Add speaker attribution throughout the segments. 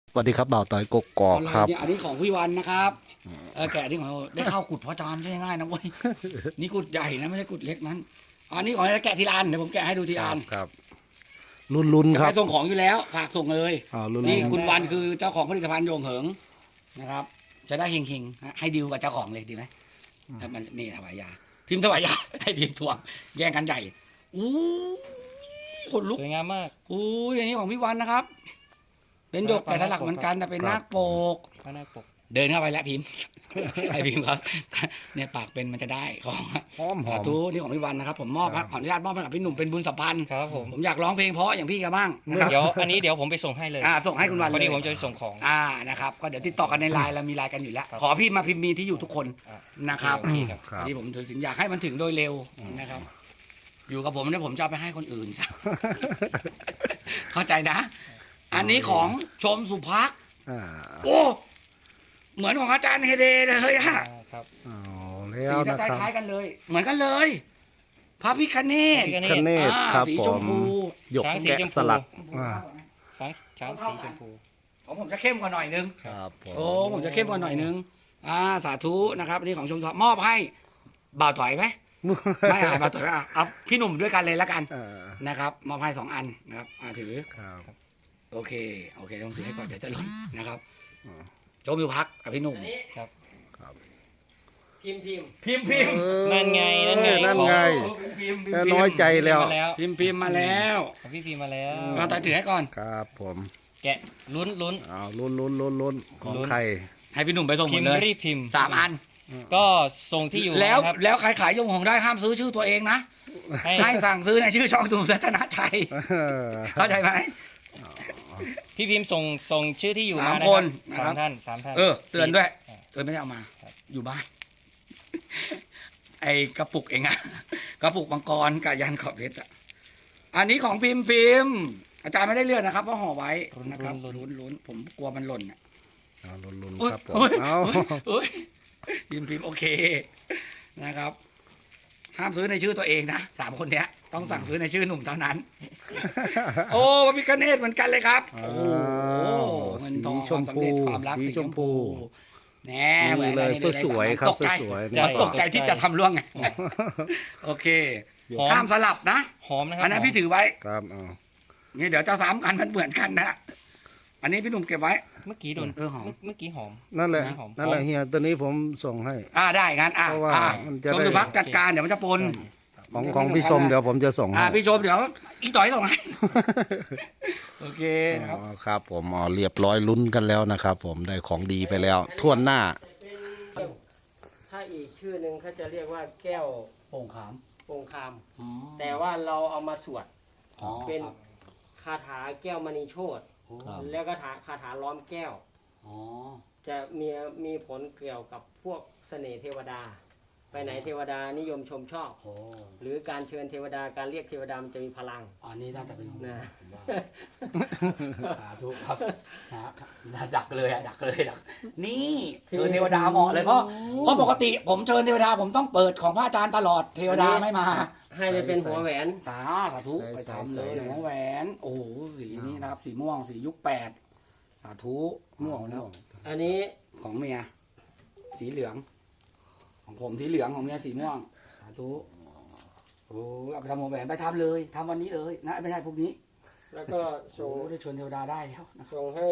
Speaker 1: สวัสดีครับบ่าวต่อยกกอกครับ
Speaker 2: อันนี้ของพี่วันนะครับแกะที่ของเราได้เข้ากุดพระอาจารย์ใช่ง่ายนะเว้ยนี่กุดใหญ่นะไม่ใช่กุดเล็กนั้นอันนี้ของแกะทีละอันเดี๋ยวผมแกะให้ดูทีละอัน
Speaker 1: ครับลุ้นๆค
Speaker 2: จะ
Speaker 1: รับ
Speaker 2: ไปส่งของอยู่แล้วฝากส่งเลย
Speaker 1: ลุ้น
Speaker 2: นี่คุณวันคือเจ้าของผลิตภัณฑ์โยงเหิงนะครับ จะได้เฮงๆให้ดีลกับเจ้าของเลยดีไหมมันนี่ถวายยาพิมพ์ถวายยาให้พิมพ์ทวงแย่งกันใหญ่อู้คนลุก
Speaker 3: สวยงามมาก
Speaker 2: อู้ยอันนี้ของพี่วันนะครับ เป็นหยกแต่สลักเหมือนกันแต่เป็นนาคโปก
Speaker 3: พระนาคปก
Speaker 2: เดินเข้าไปแล้วพิมพ์ ไอพิมพ์ครับเนี่ยปากเป็นมันจะได้ของ
Speaker 1: หอม
Speaker 2: สาธุนี่ของพี่วันนะครับ ผมมอบครับขออนุญาตมอบให้กับพี่หนุ่มเป็นบุญสัมพันธ์
Speaker 3: ครับผม
Speaker 2: ผมอยากร้องเพลงเพราะอย่างพี่กันบ้างนะครับ
Speaker 3: เดี๋ยวอันนี้เดี๋ยวผมไปส่งให้เลย
Speaker 2: ส่งให้คุณวัน
Speaker 3: พอ
Speaker 2: เล
Speaker 3: ดี
Speaker 2: ย
Speaker 3: ผมจะไปส่งของ
Speaker 2: นะครับก็เดี๋ยวติดต่อกันในไลน์เรามีไลน์กันอยู่แล้ว
Speaker 3: ครับ
Speaker 2: ขอพี่มาพิมพ์มีที่อยู่ทุกคน
Speaker 3: อ่ะ
Speaker 2: นะครับ
Speaker 3: โอเคครับ
Speaker 1: ครับ
Speaker 2: ที่ผมถือสินอยากให้มันถึงโดยเร็วนะครับ อยู่กับผมเนี่ยผมจะเอาไปให้คนอื่นซะ เข้าใจนะ อันนี้ของชมสุภักดิ์
Speaker 1: อ่า
Speaker 2: โอ้เหมือนของอาจารย์เฮเดเลยอะ
Speaker 3: ครับ
Speaker 1: เอาแล้
Speaker 2: สี
Speaker 1: ว
Speaker 2: จะ
Speaker 1: นะครับ
Speaker 2: คล้ายๆกันเลย เหมือนกันเลย พระพิฆเนศ
Speaker 3: พระพิฆ
Speaker 1: คเนศครับ
Speaker 2: สี
Speaker 1: ผ
Speaker 2: ช
Speaker 1: ม
Speaker 2: มพู
Speaker 1: หยก
Speaker 3: ช้างสี
Speaker 1: แกะ
Speaker 3: ชมพู
Speaker 1: สลักอ่า
Speaker 3: ช้างสีชมพู
Speaker 2: ของผมจะเข้มกว่าหน่อยนึง
Speaker 1: ครับผม
Speaker 2: โอ้ผมจะเข้มกว่าหน่อยนึงสาธุนะครับอันนี้ของชมทอมอบให้บ่าวถอยไหมไม่บ่าวถอยไม่เอาพี่หนุ่มด้วยกันเลยละกัน
Speaker 1: อ่า
Speaker 2: นะครับมอบให้2 อันนะครับถือ
Speaker 1: ครับ
Speaker 2: โอเคต้องถือให้ก่อนเดี๋ยวจะหล่นนะครับ
Speaker 1: อ่า
Speaker 2: ชมอยู่พักกับพี่หนุ่ม
Speaker 3: ครับ
Speaker 2: พิมพ์
Speaker 3: นั่นไงนั่นไง
Speaker 1: นั่นไง
Speaker 2: พิมพ์
Speaker 1: แค่น้อยใจแล้ว
Speaker 3: มาแล้ว
Speaker 2: พิมพ์มาแล้ว
Speaker 3: ของพี่พีมาแล้ว
Speaker 2: เราต่อยถือให้ก่อน
Speaker 1: ครับผม
Speaker 3: แกะลุ้น
Speaker 1: เอาลุ้นของใคร
Speaker 2: ให้พี่หนุ่มไปส่งหม
Speaker 3: พิ
Speaker 2: ด
Speaker 3: มพ์
Speaker 2: เลย
Speaker 3: รีบพิมพ์
Speaker 2: 3 อัน
Speaker 3: ก็ส่งที่อยู่
Speaker 2: แล้ว
Speaker 3: นะครับ
Speaker 2: แล้วใครขายยงของได้ห้ามซื้อชื่อตัวเองนะ
Speaker 3: ให้
Speaker 2: ให้สั่งซื้อในชื่อช่องดูรัตนชัยเข้าใจไหม
Speaker 3: พี่พิมพ์ส่งชื่อที่อยู่มา
Speaker 2: สาม
Speaker 3: นะ
Speaker 2: ค
Speaker 3: ครั
Speaker 2: น
Speaker 3: บ
Speaker 2: นะครับ
Speaker 3: สามท่าน
Speaker 2: เตือนด้วย
Speaker 3: อ่า
Speaker 2: ไม่ได้เอามา
Speaker 3: ครับ
Speaker 2: อยู่บ้าน ไอ้กระปุกเองอะ กระปุกมังกรกับยันขอบเพชรอะอันนี้ของพิมพ์อาจารย์ไม่ได้เลือกนะครับเพราะห่อไว้นะครับลุ้นผมกลัวมันหล่นอะ
Speaker 1: เอาลุ้น
Speaker 2: อุ๊ย
Speaker 1: ๆครับผม
Speaker 2: อุ๊ย
Speaker 1: เอา
Speaker 2: อุ๊ยพิมพ์โอเคนะครับ ห้ามซื้อในชื่อตัวเองนะ3 คนเนี้ยต้องสั่งซื้อในชื่อหนุ่มเท่านั้น โอ้พระพิฆเนศเหมือนกันเลยครับ โอ้โหเงิน
Speaker 1: สี
Speaker 2: ทอง
Speaker 1: ชมพู
Speaker 2: ความรัก
Speaker 1: สีชมพู
Speaker 2: แน่เหมือน
Speaker 1: นี่เลย
Speaker 2: กัน
Speaker 1: สวยๆครับ
Speaker 2: ตกใจ
Speaker 1: สวยๆ
Speaker 3: ใช่
Speaker 2: ตกใจที่จะทำล่วงไงโอเค
Speaker 3: หอม
Speaker 2: ห้ามสลับนะ
Speaker 3: หอมนะครับ
Speaker 2: อันนั้น
Speaker 3: หม
Speaker 2: พี่ถือไว้
Speaker 1: ครับเอา
Speaker 2: นี่เดี๋ยวจะซ้ำกันมันเหมือนกันนะอันนี้พี่หนุ่มเก็บไว้
Speaker 3: เมื่อกี้โดน
Speaker 2: หอม
Speaker 3: เมื่อกี้หอม
Speaker 1: นั่นแหละ
Speaker 3: หอม
Speaker 1: นั่นแหละเฮียตัวนี้ผมส่งให้
Speaker 2: ได้งั้น
Speaker 1: เพราะว่ามันจะ
Speaker 2: ชม
Speaker 1: ได้
Speaker 2: สุภักดิ์จัดการเดี๋ยวมันจะปน
Speaker 1: ของพี่ชมเดี๋ยวผมจะส่งให้
Speaker 2: พี่ชมเดี๋ยวอีต่อยส่งให้ โอเคนะครับ
Speaker 1: อ๋อครับผมเรียบร้อยลุ้นกันแล้วนะครับ ผมได้ของดีไปแล้วท่วนหน้า
Speaker 4: ถ้าอีกชื่อหนึ่งเขาจะเรียกว่าแก้ว
Speaker 2: โป่งขาม
Speaker 4: โปงคาม แต่ว่าเราเอามาสวด
Speaker 2: อ๋อ
Speaker 4: เป็น
Speaker 2: ครับ
Speaker 4: คาถาแก้วมณีโชต
Speaker 1: ครับ
Speaker 4: แล้วก็คาถาล้อมแก้ว
Speaker 2: อ๋อ
Speaker 4: จะมีผลเกี่ยวกับพวกเสน่ห์เทวดา ไปไหนเทวดานิยมชมชอบ
Speaker 2: โอ้
Speaker 4: หรือการเชิญเทวดาการเรียกเทวดามันจะมีพลัง
Speaker 2: อันนี้น่าจะเป็นของ
Speaker 4: นะ
Speaker 2: ผมว่าสาธุครับนะครับดักเลยดักนี่เชิญเทวดาเหมาะเลยเพราะปกติผมเชิญเทวดาผมต้องเปิดของพระอาจารย์ตลอดเทวดาไม่มา
Speaker 4: ให้ไปเป็นหัวแหวน
Speaker 2: สาธุไปทำเลยหัวแหวน โอ้โหสีนี้นะครับสีม่วงสียุค8สาธุม่วงแล้ว
Speaker 4: อันนี้
Speaker 2: ของเมียสีเหลือง ของผมสีเหลืองของเมียสีม่วงสาธุโอ้เอาไปทำหัวแหวนไปทำเลยทำวันนี้เลยนะไม่ใช่พวกนี้
Speaker 4: แล้วก็
Speaker 2: โอ้
Speaker 4: ส่ง
Speaker 2: ได้ชวนเทวดาได้แล้วนะครับ
Speaker 4: ส่งให้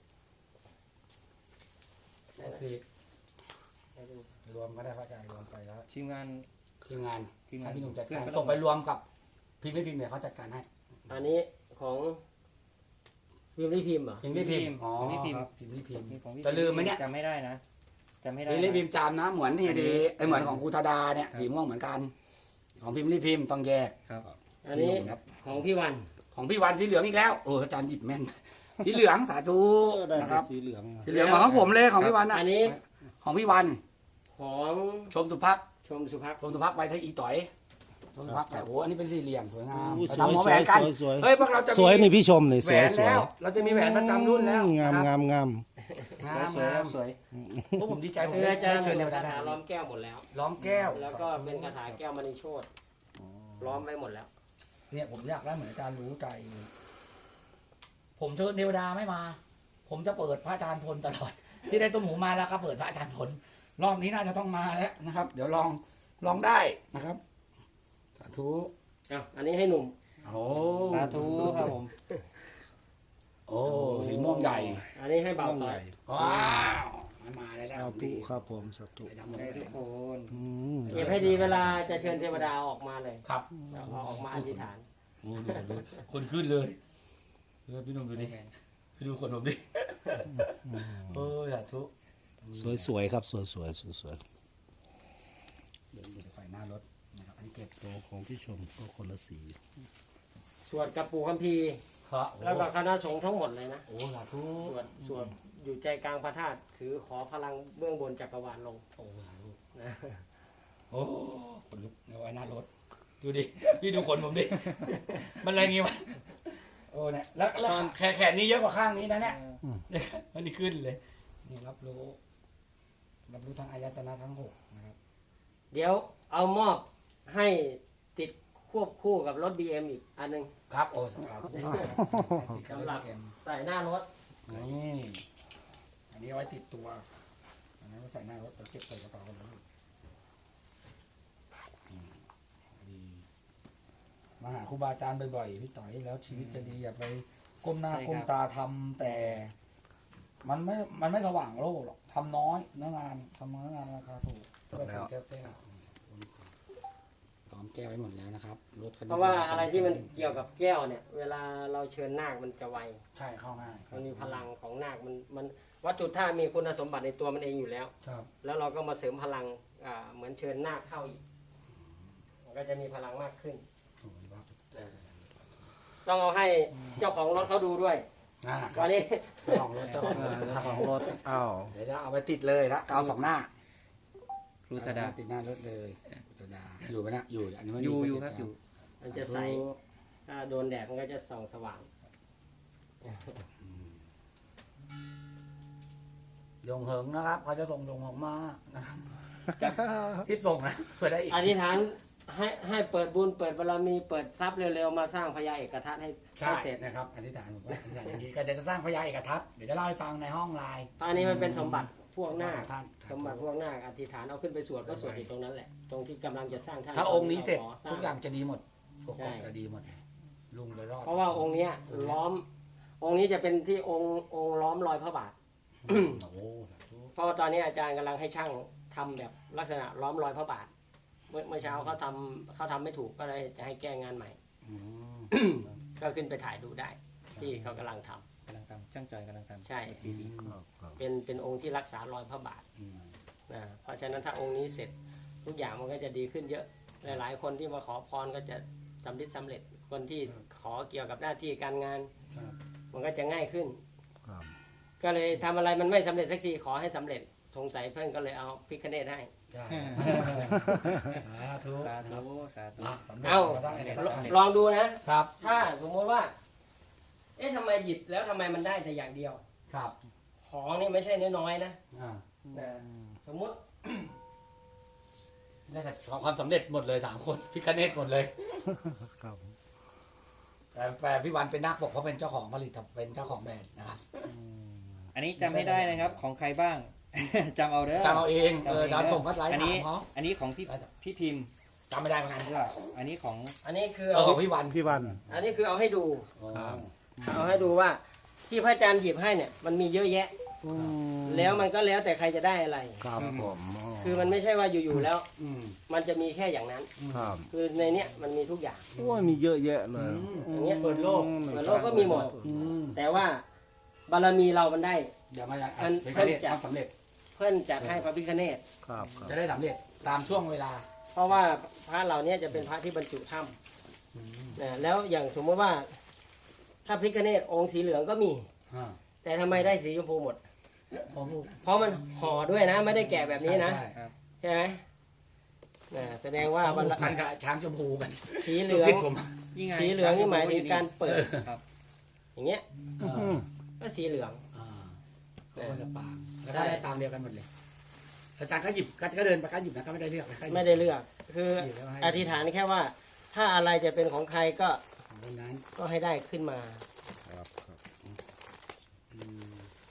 Speaker 2: สีรวมก็ได้พระอาจารย์รวมไปแล้ว
Speaker 3: ทีมงาน
Speaker 2: ทีมงาน
Speaker 3: ทีมงาน
Speaker 2: ให้พี่หนุ่มจัด
Speaker 3: เพื่
Speaker 2: กา
Speaker 3: อน
Speaker 2: ร
Speaker 3: ก็
Speaker 2: ส่งไปรวมกับพิมพ์ไม่พิมพ์เนี่ยเขาจัดการให้
Speaker 4: อันนี้ของพิมพ์ที่พิมพ์เหรอ
Speaker 2: พิมพ์ไม่พิมพ์อ๋อ
Speaker 3: ของพี่พิมพ์
Speaker 2: ครับพิมพ์ไม่พิมพ์
Speaker 3: ของพี่
Speaker 2: จะลืมไหมเนี่ย
Speaker 3: จำไม่ได้นะจำไม่ได้
Speaker 2: พิมพ์ไม่พิมพ์จำนะเหมือนที่ดีไอเหมือนของครูธดาเนี่ยสีม่วงเหมือนกัน ของพิมพ์ไม่พิมพ์ต้องแยก
Speaker 3: ครับ
Speaker 4: อันนี้
Speaker 2: ครับ
Speaker 4: ของพี่วัน
Speaker 2: ของพี่วันสีเหลืองอีกแล้วโอ้อาจารย์หยิบแม่น สีเหลืองสาธุนะครับ
Speaker 1: สีเหลือง
Speaker 2: สีเหลืองเหมือนของผมเลยของพี่วันนะ
Speaker 4: อันนี้
Speaker 2: ของพี่วัน
Speaker 4: ของ
Speaker 2: ชมสุภักดิ์
Speaker 4: ชมสุภักดิ์
Speaker 2: ชมสุภักดิ์ไปที่อีต่อยชมสุภักดิ์แต่โอ้อันนี้เป็นสี่เหลี่ยมสวยงาม
Speaker 1: อู้
Speaker 2: ไป
Speaker 1: สวย
Speaker 2: ทำหัวแหวนกัน
Speaker 1: สวย
Speaker 2: เฮ้ยพวกเราจะมี
Speaker 1: สวยนี่พี่ชมนี่
Speaker 2: แห
Speaker 1: ส
Speaker 2: ว
Speaker 1: วย
Speaker 2: น
Speaker 1: สวย
Speaker 2: แล้ว เราจะมีแหวนประจำรุ่นแล้ว
Speaker 1: งาม
Speaker 2: นะครับ
Speaker 1: งาม
Speaker 2: งาม
Speaker 3: สวย
Speaker 2: งาม
Speaker 3: สวย
Speaker 2: พวกผมดีใจผม
Speaker 4: คือ
Speaker 2: ได้
Speaker 4: อาจารย์
Speaker 2: เชิญเทว
Speaker 4: คา
Speaker 2: ดาได้
Speaker 4: ถาล้อมแก้วหมดแล้ว
Speaker 2: ล้อมแก้ว
Speaker 4: แล้วก็เป็นคาถาแก้วมณีโชตล้อมไว้หมดแล้ว
Speaker 2: เนี่ยผมอยากได้เหมือนอาจารย์รู้ใจ ผมเชิญเทวดาไม่มาผมจะเปิดพระอาจารย์พลตลอด ที่ได้ต้มหมูมาแล้วก็เปิดพระอาจารย์พลรอบนี้น่าจะต้องมาแล้วนะครับ เดี๋ยวลองได้นะครับสาธุ
Speaker 4: อ่ะอันนี้ให้หนุ่ม
Speaker 2: โอ้
Speaker 3: สาธุครับผม
Speaker 2: โอ้สีม่วงใหญ่
Speaker 4: อันนี้ให้เบาต่อย
Speaker 2: ว้าวมาแล้วนะ
Speaker 1: สาธุครับผมสาธุ
Speaker 2: ไปทำหมด
Speaker 3: ได้
Speaker 2: เล
Speaker 3: ทุ
Speaker 2: ย
Speaker 3: กคน
Speaker 1: อืม
Speaker 4: เก็บให้ดีเวลาจะเชิญเทวดาออกมาเลย
Speaker 2: ครับ
Speaker 4: เอาออกมาอธิษฐาน
Speaker 2: โอ้ดูคนขึ้นเลยพี่หนุ่มดูดิดูคนผมดิโอ้ยสาธุ
Speaker 1: สวยๆครับสวยๆสวย
Speaker 2: เดินอยู่ในไฟหน้ารถนะครับอันนี้เก็บ
Speaker 1: ๆตัวของพี่ชมก็คนละสี
Speaker 4: สวดกับปู่คัมภีร์
Speaker 2: ครับ
Speaker 4: แล้วก็คณะสงฆ์ทั้งหมดเลยนะ
Speaker 2: โอ้สาธุ
Speaker 4: สวดอยู่ใจกลางพระธาตุถือขอพลังเบื้องบนจักรวาลลง
Speaker 2: โอ้สาธุ
Speaker 4: นะ
Speaker 2: โอ้คนลุกในไว้หน้ารถดูดิพี่ดูคนผมดิ มันอะไรงี้วะโอ้เนี่ยแล้วแขนนี้เยอะกว่าข้างนี้นะเนี่ยเนี่ยอันนี้ขึ้นเลยนี่รับรู้ทั้งอายตนะทั้งหกนะครับ
Speaker 4: เดี๋ยวเอามอบให้ติดควบคู่กับรถ BM อีกอันหนึง
Speaker 2: ครับโอ้สาธุ
Speaker 4: สำหรับใส่หน้ารถ
Speaker 2: นี่อันนี้เอาไว้ติดตัวอันนั้นไว้ใส่หน้ารถเราเก็บใส่กระเป๋ากันเลยดีมาหาครูบาอาจารย์บ่อยๆพี่ต่อยแล้วชีวิตจะดีอย่าไปก้มหน้าก้มตาทำแต่ มันไม่สว่างโลกหรอกทำน้อยเนื้องานทำเนื้องานราคาถูกแก้วพร้อมแก้วไว้หมดแล้วนะครับรถคันนี้
Speaker 4: เพราะว่าอะไรที่มันเกี่ยวกับแก้วเนี่ย เวลาเราเชิญนาคมันจะไว
Speaker 2: ใช่เข้าง่าย
Speaker 4: มันมีพลังของนาคมันวัตถุธาตุมีคุณสมบัติในตัวมันเองอยู่แล้ว
Speaker 2: ครับ
Speaker 4: แล้วเราก็มาเสริมพลังเหมือนเชิญนาคเข้าอีกมันก็จะมีพลังมากขึ้น
Speaker 2: โอ้ยว่า
Speaker 4: ต้องเอาให้เจ้าของรถเขาดูด้วย
Speaker 2: ครั
Speaker 4: วั
Speaker 2: บ
Speaker 4: นนี้
Speaker 2: เจ้าของรถเจ้าของรถ
Speaker 1: เจ้าของรถอ้าว
Speaker 2: เดี๋ยวจะเอาไปติดเลยนะเอาสองหน้า
Speaker 3: ครูธดา
Speaker 2: ติดหน้ารถเลยครูธดาอยู่ไหมนะอยู่อันนี้ไม่มี
Speaker 3: อยู่ครับอยู่
Speaker 4: มันจะใสถ้าโดนแดดมันก็จะส่องสว่าง
Speaker 2: ยงเหิงนะครับเขาจะส่งยงเหิงมานะครับจะทิปส่งนะเพื่อได้อีก
Speaker 4: อธิษฐานให้เปิดบุญเปิดบารมีเปิดทรัพย์เร็วๆมาสร้างพญาเอกทัศน์ให้
Speaker 2: ใช่
Speaker 4: เสร็จ
Speaker 2: นะครับอธิษฐานผมว่าอธิษฐานอย่างนี้ก็จะสร้างพญาเอกทัศน์เดี๋ยวจะเล่าให้ฟังในห้องไลน์
Speaker 4: อันนี้มันเป็นสมบัติพวกนาค
Speaker 2: ท่าน
Speaker 4: สมบัติพวกนาคอธิษฐานเอาขึ้นไปสวดก็สวดอยู่ตรงนั้นแหละ ตรงที่กำลังจะสร้างท่าน
Speaker 2: ถ้าองค์นี้เสร็จ
Speaker 4: ข
Speaker 2: ทุกอย่างจะดีหมดทุก
Speaker 4: ใช่
Speaker 2: อย่างจะดีหมดลุงเลยรอด
Speaker 4: เพราะว่าองค์เนี้ยล้อม องค์นี้จะเป็นที่องค์ล้อมรอยพระบาท
Speaker 2: โอ้โหสาธุ
Speaker 4: เพราะว่าตอนนี้อาจารย์กำลังให้ช่างทำแบบลักษณะล้อมรอยพระบาท เมื่อเช้าเขาทำไม่ถูกก็เลยจะให้แก้งานใหม่
Speaker 2: อืม
Speaker 4: ก็ขึ้นไปถ่ายดูได้ ที่เขากำลังทำ
Speaker 3: กำลังทำช่างจอยกำลังทำ
Speaker 4: ใช่
Speaker 1: ครับ
Speaker 4: เป็นองค์ที่รักษารอยพระบาท
Speaker 2: อืม
Speaker 4: นะเพราะฉะนั้นถ้าองค์นี้เสร็จทุกอย่างมันก็จะดีขึ้นเยอะ หลายๆคนที่มาขอพรก็จะสำเร็จคนที่ขอเกี่ยวกับหน้าที่การงาน
Speaker 2: ครับ
Speaker 4: มันก็จะง่ายขึ้น
Speaker 1: ครับ
Speaker 4: ก็เลยทำอะไรมันไม่สำเร็จสักทีขอให้สำเร็จสงสัยเพื่อนก็เลยเอาพิคเนตให้
Speaker 2: ใช่สาธุ
Speaker 3: สา
Speaker 2: นะครับ
Speaker 3: ธุสาธุ
Speaker 2: อ่ะสำเร็จ
Speaker 4: เอา
Speaker 2: มาสร้างเอกทัศน์
Speaker 4: ลองดูนะ ถ้าสมมติว่า เอ๊ะทำไมหยิบแล้วทำไมมันได้แต่อย่างเดียว
Speaker 2: ครับ
Speaker 4: ของนี่ไม่ใช่น้อยๆนะ
Speaker 2: อ่า
Speaker 4: นะสมมุติ
Speaker 2: ได้แต่ความสำเร็จหมดเลยสามคนพิคเนตหมดเลย
Speaker 1: ครับ
Speaker 2: แต่พี่วันเป็นนักปกเพราะเป็นเจ้าของผลิตเป็นเจ้าของแบรนด์นะครับ
Speaker 3: อันนี้จำไม่ได้นะครับของใครบ้าง จำเอาเด้อ
Speaker 2: จำเอาเองเราส่งก็ไลน์
Speaker 3: อัน
Speaker 2: ถา
Speaker 3: นี้
Speaker 2: มเขา
Speaker 3: อันนี้ของพี่พิมพ์
Speaker 2: จำไม่ได้เหมือนกัน
Speaker 3: ก็อันนี้ของ
Speaker 4: อันนี้คือ
Speaker 2: ของพี่วัน
Speaker 1: พี่วัน
Speaker 4: อันนี้คือเอาให้ดู
Speaker 1: ครับ
Speaker 4: เอาให้ดูว่า ที่พระอาจารย์หยิบให้เนี่ยมันมีเยอะแยะ แล้วมันก็แล้วแต่ใครจะได้อะไร
Speaker 1: ครับผมอ๋อ
Speaker 4: คือมันไม่ใช่ว่าอยู่ๆแล้ว
Speaker 2: อืม
Speaker 4: มันจะมีแค่อย่างนั้น
Speaker 1: ครับ
Speaker 4: คือในเนี้ยมันมีทุกอย่าง
Speaker 1: โอ้ยมีเยอะแยะเลย
Speaker 4: อย่างเงี้ย
Speaker 2: เปิดโลก
Speaker 4: เปิดโลกก็มีหมด
Speaker 2: อืม
Speaker 4: แต่ว่าบารมีเรามันได้
Speaker 2: เดี๋ยวมาจาก
Speaker 4: มัน
Speaker 2: พิคเนตความสำเร็จ
Speaker 4: เพื่อนจัดให้พระพิฆเนศ
Speaker 1: ครับครับ
Speaker 2: จะได้สำเร็จตามช่วงเวลา
Speaker 4: เพราะว่าพระเหล่านี้จะเป็นพระที่บรรจุถ้ำนะแล้วอย่างสมมติว่า ถ้าพิฆเนศองค์สีเหลืองก็มี
Speaker 2: อ่า
Speaker 4: แต่ทำไมได้สีชมพูหมด
Speaker 2: ผม
Speaker 4: เพราะมันห่อด้วยนะ ไม่ได้แกะแบบนี้นะ
Speaker 2: ใช่
Speaker 4: ใช่ไหมนะแสดงว่า
Speaker 2: ๆ
Speaker 4: วัน
Speaker 2: พันกับช้างชมพูกัน
Speaker 4: สีเหลือง
Speaker 2: ลูกศิษย์ผม
Speaker 3: นี่ไง
Speaker 4: สีเหลืองนี่หมายถึงการเปิด
Speaker 3: ครับ
Speaker 4: อย่างเงี้ย
Speaker 2: อ่า
Speaker 4: ก็สีเหลือง
Speaker 2: อ่าก็คนละปางแล้วก็ได้ปางเดียวกันหมดเลยอาจารย์ก็หยิบก็เดินไปก็หยิบนะก็ไม่ได้เลือกนะก็หยิบ
Speaker 4: ไม่ได้เลือก คือ
Speaker 2: หยิบแล้วให้
Speaker 4: อธิษฐานแค่ว่า ถ้าอะไรจะเป็นของใครก็
Speaker 2: ของคนนั้น
Speaker 4: ก็ให้ได้ขึ้นมา
Speaker 1: ครับครับ
Speaker 2: อืม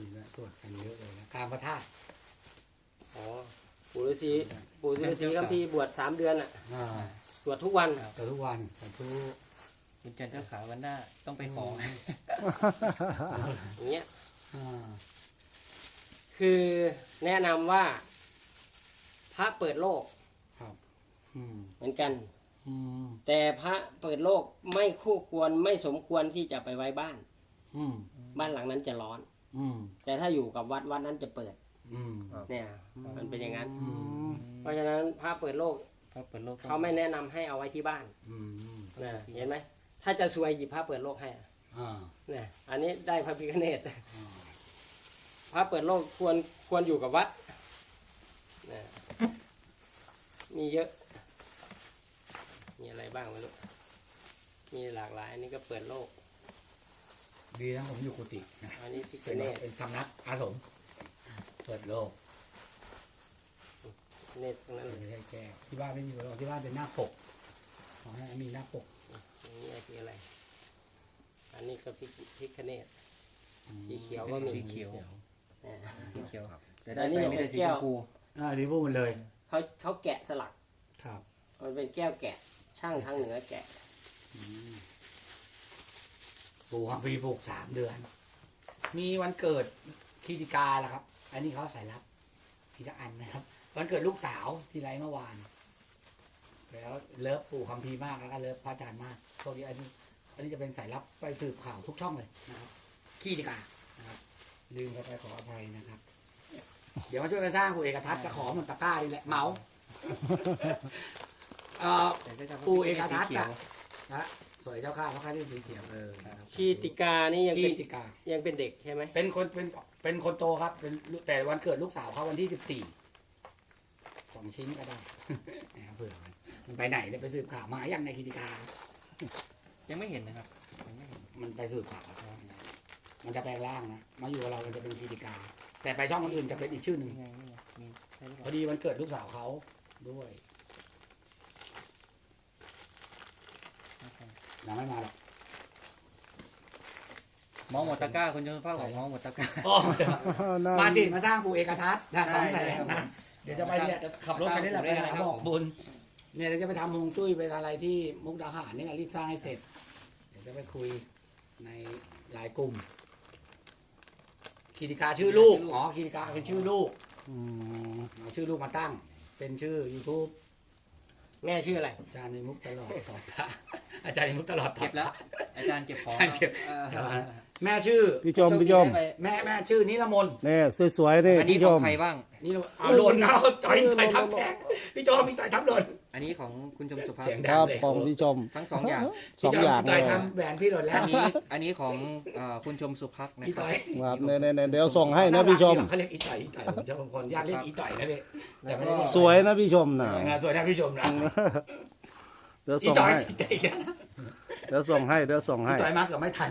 Speaker 2: ฤษีสวดกันเยอะเลยนะกลางพระธาตุ
Speaker 4: อ๋อปู่ฤาษีคัมภีร์บวช3 เดือนอ่ะ
Speaker 2: อ่า
Speaker 4: สวดทุกวัน
Speaker 2: แต่ทุกวันแต่ทุก
Speaker 3: คุณจันทร์เจ้าขาววันหน้าต้องไปขอ
Speaker 4: อย่างเงี้ย
Speaker 2: อ่า
Speaker 4: คือแนะนำว่าพระเปิดโลก
Speaker 2: ครับอืม
Speaker 4: เหมือนกัน
Speaker 2: อืม
Speaker 4: แต่พระเปิดโลกไม่คู่ควรไม่สมควรที่จะไปไว้บ้าน
Speaker 2: อืม
Speaker 4: บ้านหลังนั้นจะร้อน
Speaker 2: อืม
Speaker 4: แต่ถ้าอยู่กับวัดนั้นจะเปิด
Speaker 2: อืม
Speaker 4: เนี่ยมันเป็นอย่างนั้น
Speaker 2: อืม
Speaker 4: เพราะฉะนั้นพระเปิดโลก
Speaker 3: พระเปิดโลก
Speaker 4: เขาไม่แนะนำให้เอาไว้ที่บ้าน
Speaker 2: อืม
Speaker 4: นะเห็นไหมถ้าจะซวยหยิบพระเปิดโลกให้อะ
Speaker 2: อ่า
Speaker 4: เนี่ยอันนี้ได้พระพิฆเนศพระเปิดโลกควรอยู่กับวัดนะมีเยอะ มีอะไรบ้างไม่รู้มีหลากหลายอันนี้ก็เปิดโลก
Speaker 2: ดีนะผมอยู่กุฏินะ
Speaker 4: อันนี้พิฆ
Speaker 2: เป็น
Speaker 4: เนศ
Speaker 2: เป็นสำนักอาสมเปิดโลก
Speaker 4: เนศทั้งนั้นเลย
Speaker 2: ไม่ใช่แก้ที่บ้านไม่มีหรอกที่บ้านเป็นหน้าปกขอให้มีหน้าปก
Speaker 4: อันนี้คืออะไร อันนี้ก็พิฆเนศสีเขียวก็มี
Speaker 3: สีเขียว
Speaker 4: นะ
Speaker 3: สีเขียว แต่
Speaker 4: อั
Speaker 3: ได้
Speaker 4: นนี้
Speaker 3: ไป
Speaker 4: ยัง
Speaker 3: ไม่
Speaker 4: เป็
Speaker 3: ได้
Speaker 4: น
Speaker 3: สี
Speaker 4: แก้
Speaker 3: ช
Speaker 4: ว
Speaker 3: มพู
Speaker 2: ดีพูดมันเลย
Speaker 4: เขาแกะสลัก
Speaker 2: ครับ
Speaker 4: มันเป็นแก้วแกะ ช่างทางเหนือแกะ
Speaker 2: ปลูกปีปลูก3 เดือน มีวันเกิดคีติกาแหละครับ อันนี้เขาใส่รับทีละอันนะครับ วันเกิดลูกสาวที่ไรเมื่อวาน แล้วเลิฟปู่คัมภีร์มากแล้วก็เลิฟพระอาจารย์มากพวกนี้อันนี้จะเป็นสายลับไปสืบข่าวทุกช่องเลยนะครับคีติกานะครับลืมไปขออภัยนะครับ เดี๋ยวมาช่วยกันสร้างปู่เอกทัศน์จะขอมันตะกร้านี่แหละเหมา
Speaker 3: แต่ก็จะ
Speaker 2: ปู่เอกทัศน์
Speaker 3: สีเขียว
Speaker 2: นะสวยเจ้าข้าพระค่าที่สีเขียวนะครับ
Speaker 4: คีติกานี่ยัง
Speaker 2: คี
Speaker 4: เป็น
Speaker 2: ติกา
Speaker 4: ยังเป็นเด็กใช่ไหม
Speaker 2: เป็นคนโตครับเป็นแต่วันเกิดลูกสาวเขาวันที่2 ชิ้นก็ได้ นะครับเผื่อมันไปไหนเนี่ยไปสืบข่าวมาอย่างในคีติกา
Speaker 3: ยังไม่เห็นนะครับยังไม่เห็น
Speaker 2: มันไปสืบข่าวมันจะแปลงร่างนะมาอยู่กับเรามันจะเป็นคีติกา แต่ไปช่องคนอื่นจะเป็นอีกชื่อหนึ่ง
Speaker 3: นี่ไงนี่ไงมีใช่หรือเป
Speaker 2: พอ
Speaker 3: ล่า
Speaker 2: ดีวันเกิดลูกสาวเขาด้วยยังไม่มาหรอก
Speaker 3: มองหมดตะกร้าคุณจนภาพบอกมองหมดตะกร้า
Speaker 2: อ๋อมาสิมาสร้างปู่เอกทัศน์นะ200,000นะเดี๋ยวจะไปเนี่ยจะขับรถไปนี่แหละไปหาบอกบุญเนี่ยเราจะไปทำฮวงจุ้ยไปอะไรที่มุกดาหารนี่แหละรีบสร้างให้เสร็จ เดี๋ยวจะไปคุยในหลายกลุ่มคีติกาชื่อลูกอ๋อคีติกาเป็นชื่อลูก
Speaker 1: อืม
Speaker 2: เอาชื่อลูกมาตั้ง เป็นชื่อ YouTube
Speaker 4: แม่ชื่ออะไร
Speaker 2: อาจารย์ในมุกตลอดตอบพระอาจารย์ในมุกตลอดตอบ
Speaker 3: เก็บแล้ว อาจารย์เก็บของ
Speaker 2: อาจารย์เก็บ
Speaker 3: เออ
Speaker 2: แม่ชื่อ
Speaker 1: พี่ชมพี่ชม
Speaker 2: แม่ชื่อนิรมนต์
Speaker 1: นี่สวยๆนี่
Speaker 3: อันนี้
Speaker 1: พี่
Speaker 3: ข
Speaker 1: ช
Speaker 3: อง
Speaker 1: ม
Speaker 3: ใครบ้าง
Speaker 2: นี่เอาหล่นเอาต่อยทับแขนพี่โจมีต่อยทับหล่น
Speaker 3: อันนี้ของคุณชมสุภาพ
Speaker 2: เสียง
Speaker 1: ค
Speaker 2: ดั
Speaker 1: รับ
Speaker 2: เลย
Speaker 1: ของพี่ชม
Speaker 3: ทั้ง2 อย่าง
Speaker 1: สองอย่าง
Speaker 2: พี่
Speaker 1: เล
Speaker 2: ต่อย
Speaker 1: ย
Speaker 2: ทำแหวนพี่หล่นแล้ว
Speaker 3: อันนี้ของคุณชมสุภักนะ
Speaker 2: อี
Speaker 3: ครั
Speaker 2: ต่
Speaker 3: บ
Speaker 2: อย
Speaker 1: ครับเนี่ยเดี๋ยวส่งให้นะพี่ชม
Speaker 2: เขาเรียกอีต่อยผมจะบางคนญาติเรียกอีต่อยนะพี่แต่ไม่ได้เรีก
Speaker 1: สวยนะพี่ชมนะ
Speaker 2: งานสวยนะพี่ชมนะ
Speaker 1: เดี๋ยว
Speaker 2: อี
Speaker 1: ส่ง
Speaker 2: ต่อย
Speaker 1: ให้
Speaker 2: อีต่อย
Speaker 1: เดี๋ยวส่งให้
Speaker 2: อีต่อยมากกับไม่ทัน